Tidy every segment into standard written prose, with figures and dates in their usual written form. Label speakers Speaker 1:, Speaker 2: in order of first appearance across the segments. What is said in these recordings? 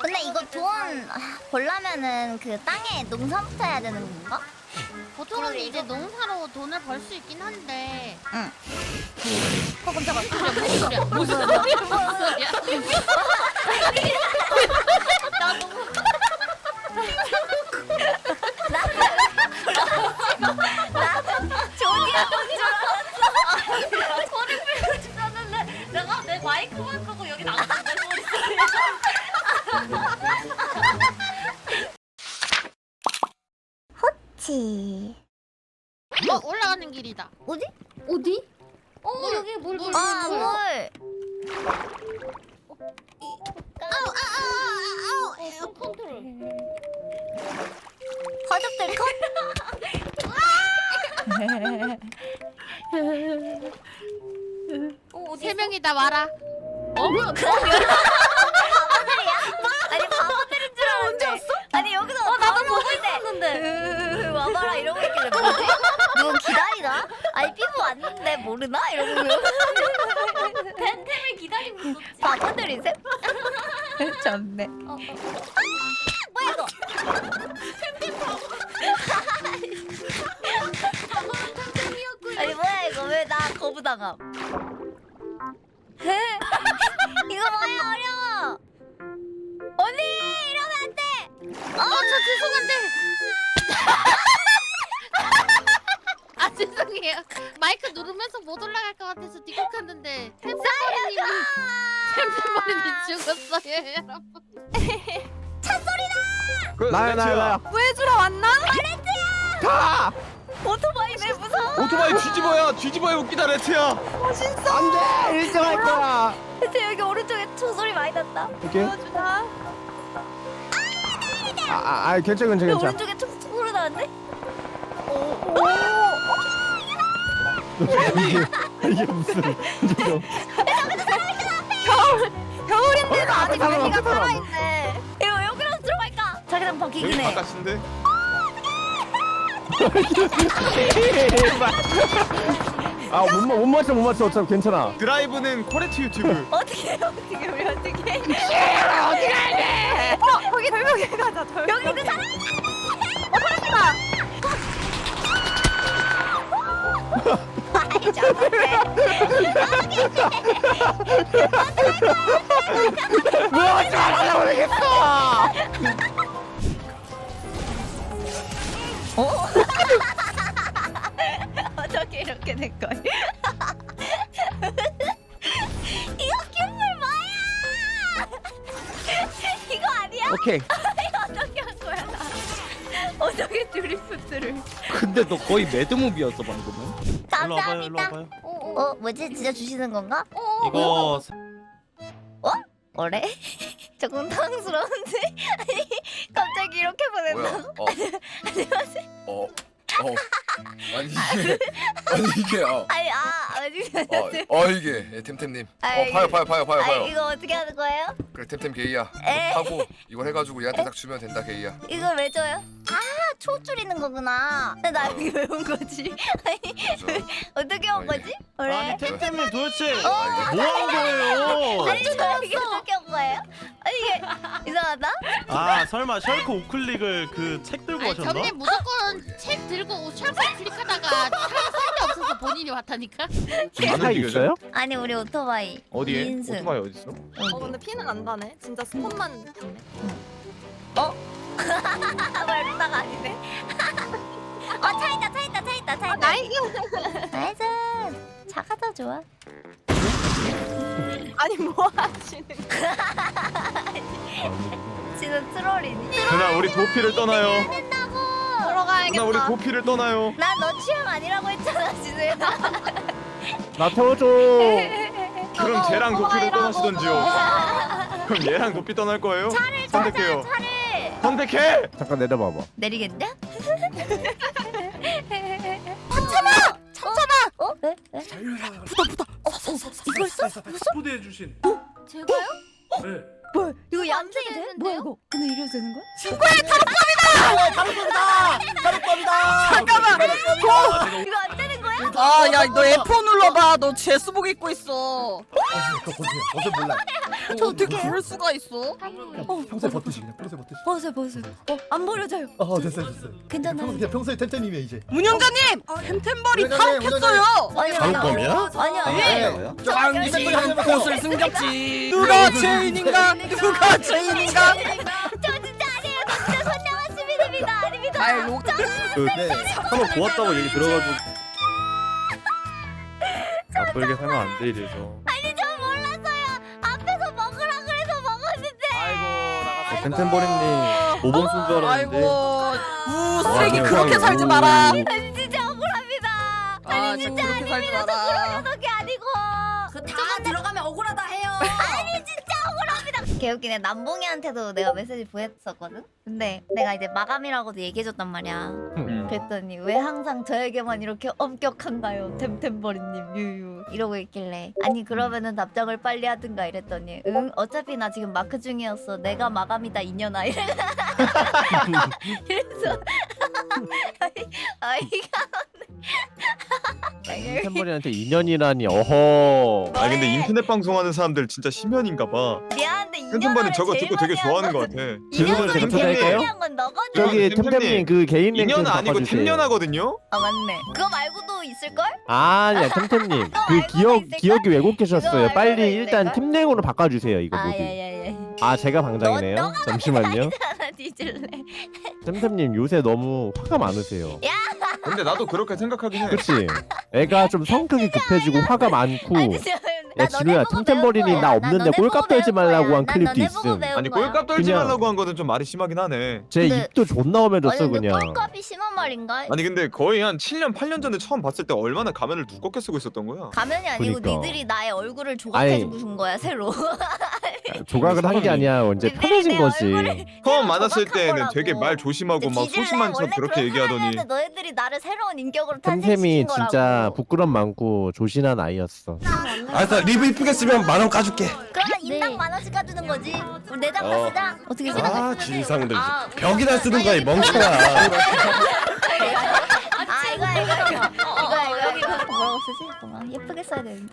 Speaker 1: 근데 이거 돈 벌려면은 그 땅에 농사부터 해야 되는 건가?
Speaker 2: 보통은
Speaker 1: 그러게,
Speaker 2: 이제
Speaker 1: 이거-
Speaker 2: 농사로 돈을 벌 수 있긴 한데.
Speaker 1: 응. 깜짝아.
Speaker 2: 무슨 소리야? 무슨 소리야? 무슨 소리야?
Speaker 1: 조디야 뭔줄 알았어.
Speaker 2: 소리 풀고 싶었는데 내가 내 마이크만 끄고 여기 나갔는데 소리 소리.
Speaker 1: 치.
Speaker 2: 올라가는 길이다.
Speaker 1: 어디?
Speaker 2: 어디? 여기 물.
Speaker 1: 아 물.
Speaker 2: 컨트롤.
Speaker 1: 가족들 컷.
Speaker 2: 세 명이 다 와라.
Speaker 1: 바보들이야? 아니 바보들인 줄 알았는데. 언제 왔어? 아니 여기서 나도 보고 있었는데. 와봐라 이러고 있길래 뭐지? 누구 기다리나? 아니 피부 왔는데 모르나? 이러고.
Speaker 2: 팬템을 기다리고 있었지.
Speaker 1: 바보들이세? 좋네. 뭐야 이거? 아니 뭐야 이거 왜 나 거부당함? 이거 뭐야 어려워. 언니 이러면 안 돼.
Speaker 2: 저 죄송한데. 아 죄송해요. 마이크 누르면서 못 올라갈 것 같아서 뒤곡했는데 템템머리님이 죽었어요 여러분.
Speaker 3: 나야.
Speaker 4: 구해주러 왔나?
Speaker 3: 가!
Speaker 1: 오토바이 왜 무서워?
Speaker 3: 오토바이 뒤집어야 웃기다 레트야.
Speaker 4: 멋있어.
Speaker 3: 안돼 1등 할 거야.
Speaker 1: 대체 여기 오른쪽에 소리 많이 났다.
Speaker 3: 오케이.
Speaker 4: 구해주나?
Speaker 3: 괜찮아.
Speaker 1: 왜 오른쪽에 소리 나는데?
Speaker 3: 이게 무슨
Speaker 4: 겨울인데도 아직
Speaker 3: 사람
Speaker 4: 여기가
Speaker 3: 앞에 사람.
Speaker 4: 살아있네.
Speaker 1: 이거 여기로 들어갈까? 자기랑 바뀌긴
Speaker 3: 여기
Speaker 1: 해.
Speaker 3: 바깥인데? 못 맞춰 어차피 괜찮아. 드라이브는 코레트 유튜브.
Speaker 1: 어떻게 우리 어떻게?
Speaker 4: 거기 절벽에 가자. 절벽.
Speaker 1: 여기 있는 사람. 아이 저건데.
Speaker 3: 왜 하지 말라고 그러겠어.
Speaker 1: 어떻게 이렇게 된 거야? 이거 큐물 뭐야? 이거 아니야?
Speaker 3: 오케이.
Speaker 1: 이거 어떻게 한 거야 나? 어떻게 드리프트를?
Speaker 3: 근데 너 거의 매드무비였어 방금은.
Speaker 1: 감사합니다. 뭐지? 진짜 주시는 건가?
Speaker 3: 이거
Speaker 1: 뭐래? 조금 당황스러운데? 아니 갑자기 이렇게 보낸다고?
Speaker 5: 어. 아니 이게
Speaker 1: 아니
Speaker 5: 아니 이게 템템님.
Speaker 1: 아이,
Speaker 5: 봐요.
Speaker 1: 이거 어떻게 하는 거예요?
Speaker 5: 그래 템템 게이야.
Speaker 1: 에?
Speaker 5: 하고 이걸 해가지고 얘한테 딱 주면 된다 게이야.
Speaker 1: 이걸 왜 줘요? 아, 초 줄이는 거구나. 근데 나 여기 왜 온 거지? 아니, 어떻게 온 거지? 그래?
Speaker 3: 템템님 도대체
Speaker 1: 어,
Speaker 3: 뭐 한 거예요?
Speaker 1: 아니, 저 이게 어떻게 온 거예요? 아니, 이게 이상하다?
Speaker 6: 아 설마 셜크 우클릭을 그 책 들고
Speaker 2: 아니
Speaker 6: 하셨나?
Speaker 2: 점님 무조건 책 들고 셜크 클릭하다가 차가 없어서 본인이 왔다니까.
Speaker 3: 차 있어요?
Speaker 1: 아니, 우리 오토바이.
Speaker 3: 어디에?
Speaker 1: 2인승.
Speaker 3: 오토바이 어디 있어?
Speaker 4: 근데 피는 안 나네. 진짜 스폰만 됐네.
Speaker 1: 말다가 아니네. 차 있다. 나이스. 차가 더 좋아.
Speaker 4: 아니 뭐 하시는 거야?
Speaker 1: 지금 트롤이니?
Speaker 3: 누나 우리 도피를 떠나요.
Speaker 1: 된다고.
Speaker 4: 들어가야겠다.
Speaker 3: 누나 우리 도피를 떠나요.
Speaker 1: 난 너 취향 아니라고 했잖아, 지수야.
Speaker 3: 나 태워줘. 그럼
Speaker 4: 저거
Speaker 3: 쟤랑 도피를
Speaker 4: 오토바이라고.
Speaker 3: 떠나시던지요. 그럼 얘랑 도피 떠날 거예요?
Speaker 1: 차를
Speaker 3: 선택해요.
Speaker 1: 찾아, 차를.
Speaker 3: 선택해. 잠깐 내려봐봐.
Speaker 1: 내리겠냐? 참참아! 어? 왜? 이걸 써?
Speaker 7: 초대해 주신.
Speaker 2: 제가요?
Speaker 7: 네.
Speaker 1: 뭐야? 이거 얌생이 돼?
Speaker 2: 했는데요?
Speaker 1: 뭐야 이거? 근데 이래도 되는 거야?
Speaker 3: 다른법이다.
Speaker 1: 이거 안 되는 거야?
Speaker 7: 아, 야, 너 F4 눌러봐. 너 제수복 입고 있어.
Speaker 8: 그거 보세요. 어제 몰라.
Speaker 7: 저 어떻게 그럴 수가 있어?
Speaker 8: 평소에 버티시 그냥 평소에 버티시.
Speaker 1: 벗어. 안 버려져요.
Speaker 8: 됐어요.
Speaker 1: 괜찮아요.
Speaker 8: 그냥 평소에 템템이면 이제.
Speaker 7: 문영자님, 템템벌이
Speaker 8: 문영자님,
Speaker 7: 파업했어요.
Speaker 1: 아니요.
Speaker 7: 아니요.
Speaker 1: 아니요.
Speaker 7: 짱진 곳을 숨겼지. 누가 죄인인가? 누가 죄인인가?
Speaker 1: 저 진짜 아니에요. 저 진짜 선량한 시민입니다. 아닙니다.
Speaker 7: 아이, 로...
Speaker 8: 네.
Speaker 3: 한번 보았다고 얘기 들어가지고. 나쁘게 살면 안 돼 이래서.
Speaker 1: 아니 저 몰랐어요. 앞에서 먹으라 그래서 먹었는데.
Speaker 3: 아이고 템템버리님 5번 쓴 줄 알았는데.
Speaker 7: 아이고, 쓰레기
Speaker 3: 와,
Speaker 7: 그렇게
Speaker 3: 아이고.
Speaker 7: 살지 마라.
Speaker 1: 아니 진짜 억울합니다.
Speaker 7: 아, 진짜 그렇게 살지 마라.
Speaker 1: 그런 게 아니고.
Speaker 9: 다 들어가면 억울하다 해요.
Speaker 1: 아니 진짜 억울합니다. 개웃기네. 남봉이한테도 내가 메시지 보냈었거든. 근데 내가 이제 마감이라고도 얘기해줬단 말이야. 그랬더니 왜 항상 저에게만 이렇게 엄격한가요, 템템버리님 유유 이러고 있길래 아니 그러면은 답장을 빨리 하든가 이랬더니 응 어차피 나 지금 마크 중이었어. 내가 마감이다 이년아 이래서 아이가
Speaker 10: 템버리한테 인연이라니 어허.
Speaker 3: 아 근데 인터넷 방송하는 사람들 진짜 심연인가 봐.
Speaker 1: 미안한데
Speaker 3: 템템버리 저거 듣고 되게 좋아하는 것 같아.
Speaker 10: 질문을 제가 초대할까요?
Speaker 1: 건 너거든.
Speaker 10: 저기
Speaker 3: 템템님,
Speaker 10: 템템님 그 개인 랭크 좀
Speaker 3: 인연 아니고
Speaker 10: 바꿔주세요.
Speaker 3: 템연하거든요.
Speaker 1: 아 맞네. 그거 말고도 있을걸?
Speaker 10: 아니야 템템님 그
Speaker 1: 알고도 있을까?
Speaker 10: 기억이 왜곡되셨어요.
Speaker 1: 그거
Speaker 10: 빨리
Speaker 1: 알고도
Speaker 10: 일단
Speaker 1: 있을까?
Speaker 10: 팀랭으로 바꿔주세요 이거 모두.
Speaker 1: 아야야야.
Speaker 10: 아 제가 방장이네요.
Speaker 1: 너가
Speaker 10: 잠시만요.
Speaker 1: 하나 뒤질래.
Speaker 10: 템템님 요새 너무 화가 많으세요.
Speaker 3: 근데 나도 그렇게 생각하긴 해.
Speaker 10: 그치? 애가 좀 성격이 급해지고 화가 많고.
Speaker 1: 아니, 진짜
Speaker 10: 야 진우야 템템버린이 나 없는데 꼴값 떨지 말라고 한 클립도 있음.
Speaker 3: 아니 꼴값 떨지
Speaker 10: 그냥-
Speaker 3: 말라고 한 거는 좀 말이 심하긴 하네.
Speaker 10: 제
Speaker 1: 근데-
Speaker 10: 입도 존나 험해졌어 그냥.
Speaker 1: 꼴값이 심한 말인가?
Speaker 3: 아니 근데 거의 한 7년 8년 전에 처음 봤을 때 얼마나 가면을 두껍게 쓰고 있었던 거야.
Speaker 1: 가면이 아니고
Speaker 10: 그러니까.
Speaker 1: 니들이 나의 얼굴을 조각해주고 준 거야 새로.
Speaker 10: 조각을 한 게 아니야. 이제
Speaker 1: 근데
Speaker 10: 편해진
Speaker 1: 내
Speaker 10: 거지.
Speaker 1: 얼굴을
Speaker 3: 처음 만났을
Speaker 1: 조각한
Speaker 3: 때는
Speaker 1: 거라고.
Speaker 3: 되게 말 조심하고 막
Speaker 1: 뒤질래?
Speaker 3: 소심한 척
Speaker 1: 원래
Speaker 3: 그렇게
Speaker 1: 그런
Speaker 3: 얘기하더니
Speaker 1: 사람이었는데 너희들이 나를 새로운 인격으로
Speaker 10: 템템이
Speaker 1: 탄생시킨 거라고.
Speaker 10: 진짜 부끄럼 많고 조신한 아이였어.
Speaker 11: 알았어 리뷰 이쁘게 쓰면 10,000원 까줄게.
Speaker 1: 그러면 인당 10,000원씩 까주는 거지. 우리 내장
Speaker 11: 어.
Speaker 1: 쓰자. 어떻게 생각해?
Speaker 11: 아 진상들 벽이나 쓰는 거야 이 멍청아.
Speaker 1: 아 이거 뭐라고 쓰지? 잠깐만 예쁘게 써야 되는데.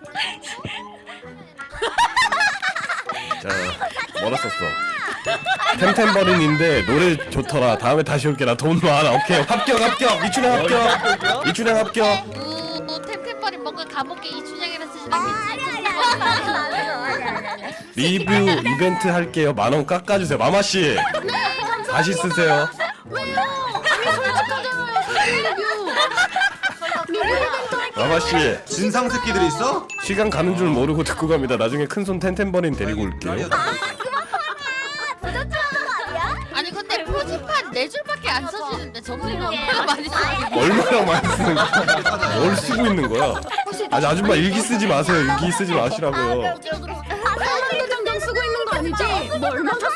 Speaker 11: 자 뭐라 썼어. 템템버린인데 노래 좋더라. 다음에 다시 올게. 나 돈 많아. 오케이 합격 이춘향 합격. 이춘향 합격.
Speaker 2: 템템벌이 뭔가 감옥에 이춘향이라 쓰진 않겠지?
Speaker 11: 리뷰 이벤트 할게요. 10,000원 깎아주세요. 마마씨 다시 쓰세요. 마마씨
Speaker 8: 진상 새끼들이 있어?
Speaker 11: 시간 가는 줄 모르고 듣고 갑니다. 나중에 큰손 템템버린 데리고 올게요.
Speaker 2: 아니 근데 표지판 4줄밖에 안 써지는데 정리를 얼마나 많이 써?
Speaker 11: 얼마나 많이 쓰는 거야? 뭘 쓰고 있는 거야? 아니 아줌마 일기 쓰지 마세요. 일기 쓰지 마시라고요.
Speaker 9: 사랑도 점점 쓰고 있는 거 아니지? 뭐 얼마나